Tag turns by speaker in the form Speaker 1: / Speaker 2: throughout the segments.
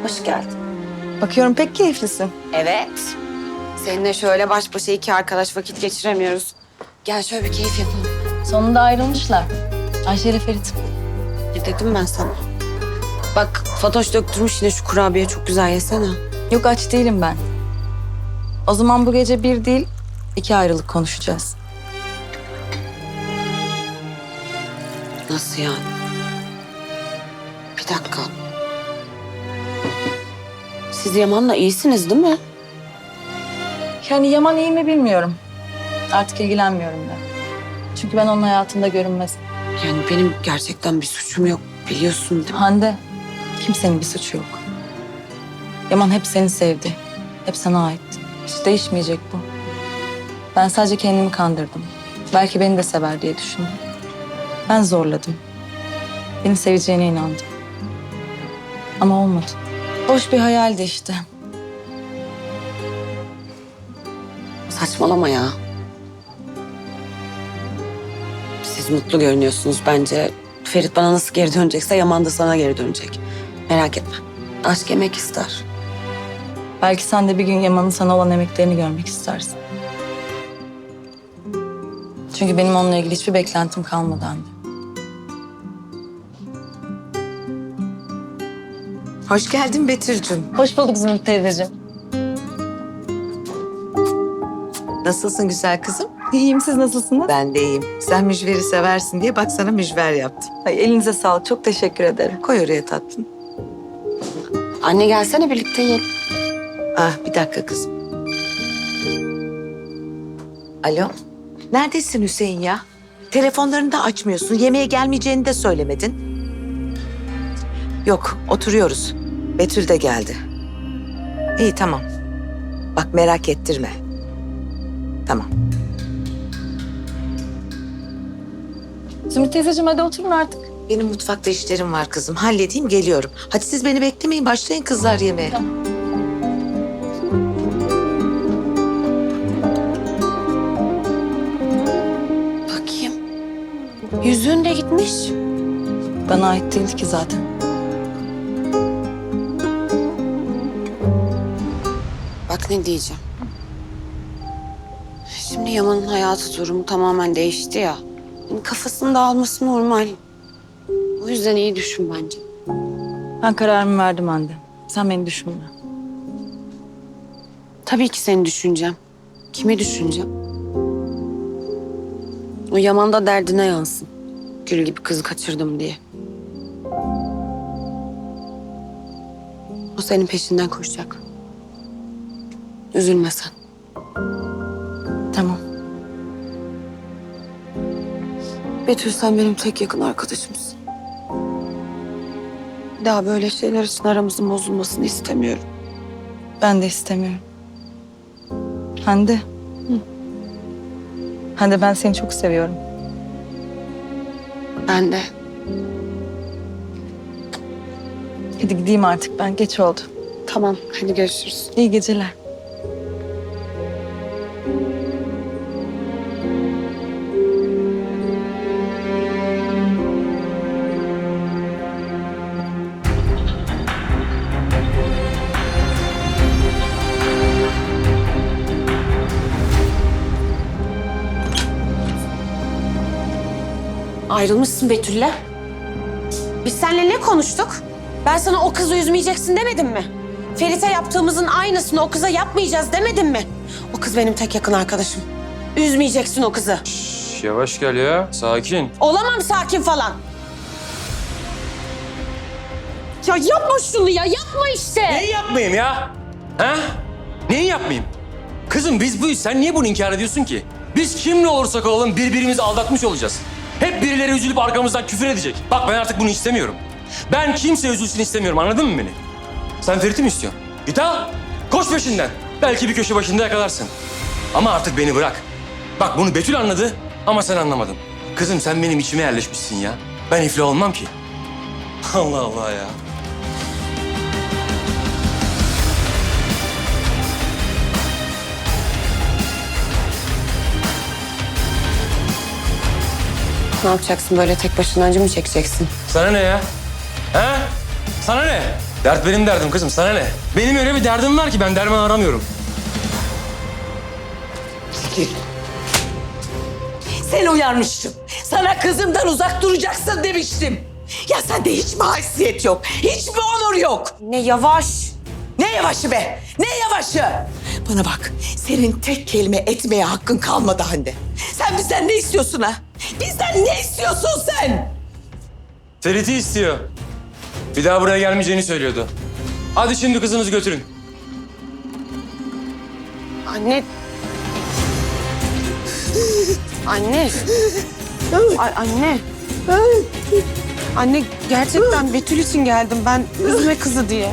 Speaker 1: Hoş geldin.
Speaker 2: Bakıyorum pek keyiflisin.
Speaker 1: Evet. Seninle şöyle baş başa iki arkadaş vakit geçiremiyoruz. Gel şöyle bir keyif yapalım.
Speaker 2: Sonunda ayrılmışlar. Ayşe ile Ferit.
Speaker 1: Ne dedim ben sana? Bak Fatoş döktürmüş yine şu kurabiye çok güzel yesene.
Speaker 2: Yok aç değilim ben. O zaman bu gece bir değil, iki ayrılık konuşacağız.
Speaker 1: Nasıl yani? Bir dakika. Siz Yaman'la iyisiniz değil mi?
Speaker 2: Yani Yaman iyi mi bilmiyorum. Artık ilgilenmiyorum ben. Çünkü ben onun hayatında görünmez.
Speaker 1: Yani benim gerçekten bir suçum yok biliyorsun değil mi?
Speaker 2: Hande, kimsenin bir suçu yok. Yaman hep seni sevdi. Hep sana ait. Hiç değişmeyecek bu. Ben sadece kendimi kandırdım. Belki beni de sever diye düşündüm. Ben zorladım. Beni seveceğine inandım. Ama olmadı. Boş bir hayaldi işte.
Speaker 1: Saçmalama ya. Siz mutlu görünüyorsunuz bence. Ferit bana nasıl geri dönecekse Yaman da sana geri dönecek. Merak etme. Aşk emek ister.
Speaker 2: Belki sen de bir gün Yaman'ın sana olan emeklerini görmek istersin. Çünkü benim onunla ilgili hiçbir beklentim kalmadı anne.
Speaker 3: Hoş geldin Betül'cüm.
Speaker 2: Hoş bulduk Zümrüt teyzeciğim.
Speaker 3: Nasılsın güzel kızım?
Speaker 2: İyiyim, siz nasılsınız?
Speaker 3: Ben de iyiyim. Sen mücveri seversin diye bak sana mücver yaptım.
Speaker 2: Ay, elinize sağlık, çok teşekkür ederim.
Speaker 3: Koy oraya tatlım.
Speaker 1: Anne gelsene birlikte yiyelim.
Speaker 3: Ah bir dakika kızım. Alo. Neredesin Hüseyin ya? Telefonlarını da açmıyorsun. Yemeğe gelmeyeceğini de söylemedin. Yok oturuyoruz. Betül de geldi. İyi tamam. Bak merak ettirme. Tamam.
Speaker 2: Zümrüt teyzeciğim hadi oturun artık.
Speaker 3: Benim mutfakta işlerim var kızım. Halledeyim geliyorum. Hadi siz beni beklemeyin. Başlayın kızlar yemeğe.
Speaker 2: Tamam.
Speaker 1: Bakayım. Yüzüğün de gitmiş.
Speaker 2: Bana ait değildi ki zaten.
Speaker 1: Bak ne diyeceğim. Şimdi Yaman'ın hayatı durumu tamamen değişti ya. Yani kafasını dağılması normal. O yüzden iyi düşün bence.
Speaker 2: Ben kararımı verdim Hande. Sen beni düşünme.
Speaker 1: Tabii ki seni düşüneceğim. Kimi düşüneceğim? O Yaman da derdine yansın. Gül gibi kızı kaçırdım diye. O senin peşinden koşacak. Üzülme sen.
Speaker 2: Tamam.
Speaker 1: Betül sen benim tek yakın arkadaşımsın. Bir daha böyle şeyler için aramızın bozulmasını istemiyorum.
Speaker 2: Ben de istemiyorum. Hande. Hande ben seni çok seviyorum.
Speaker 1: Ben de.
Speaker 2: Hadi gideyim artık ben. Geç oldu.
Speaker 1: Tamam hadi görüşürüz.
Speaker 2: İyi geceler.
Speaker 1: Ayrılmışsın Betül'le. Biz seninle ne konuştuk? Ben sana o kızı üzmeyeceksin demedim mi? Ferit'e yaptığımızın aynısını o kıza yapmayacağız demedim mi? O kız benim tek yakın arkadaşım. Üzmeyeceksin o kızı.
Speaker 4: Şş, yavaş gel ya, sakin.
Speaker 1: Olamam sakin falan. Ya yapma şunu ya, yapma işte.
Speaker 4: Neyi yapmayayım ya? Ha? Neyi yapmayayım? Kızım biz buyuz, sen niye bunu inkar ediyorsun ki? Biz kimle olursak olalım birbirimizi aldatmış olacağız. Hep birileri üzülüp arkamızdan küfür edecek. Bak ben artık bunu istemiyorum. Ben kimse üzülsün istemiyorum, anladın mı beni? Sen Ferit'i mi istiyorsun? Git al, koş peşinden. Belki bir köşe başında yakalarsın. Ama artık beni bırak. Bak bunu Betül anladı ama sen anlamadın. Kızım sen benim içime yerleşmişsin ya. Ben iflah olmam ki. Allah Allah ya.
Speaker 1: Ne yapacaksın böyle tek başına acı mı çekeceksin?
Speaker 4: Sana ne ya? Ha? Sana ne? Dert benim derdim kızım, sana ne? Benim öyle bir derdim var ki ben derman aramıyorum.
Speaker 5: Seni uyarmıştım. Sana kızımdan uzak duracaksın demiştim. Ya sende hiç mi haysiyet yok? Hiç mi onur yok?
Speaker 1: Ne yavaş.
Speaker 5: Ne yavaşı be? Ne yavaşı? Bana bak, senin tek kelime etmeye hakkın kalmadı Hande. Sen bizden ne istiyorsun ha? Bizden ne istiyorsun sen?
Speaker 4: Ferit'i istiyor. Bir daha buraya gelmeyeceğini söylüyordu. Hadi şimdi kızınızı götürün.
Speaker 1: Anne. Anne. Anne. Anne gerçekten Betül için geldim ben. Üzme kızı diye.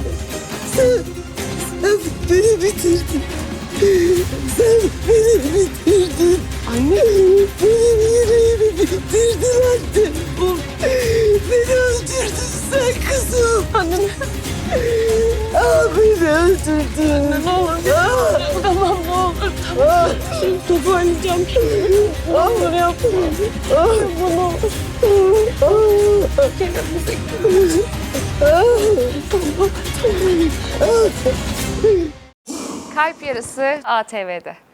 Speaker 5: Beni bitirdin. Sen beni bitirdin.
Speaker 1: Anne.
Speaker 5: Benim yüreğimi bitirdin anne. Beni öldürdün sen kızım.
Speaker 1: Anne.
Speaker 5: Beni öldürdün.
Speaker 1: Anne ne olur. Tamam ne olur. Tamam. Toparlayacağım şimdi. Ne olur yapma. Bunu olur.
Speaker 6: Kalp Yarısı ATV'de.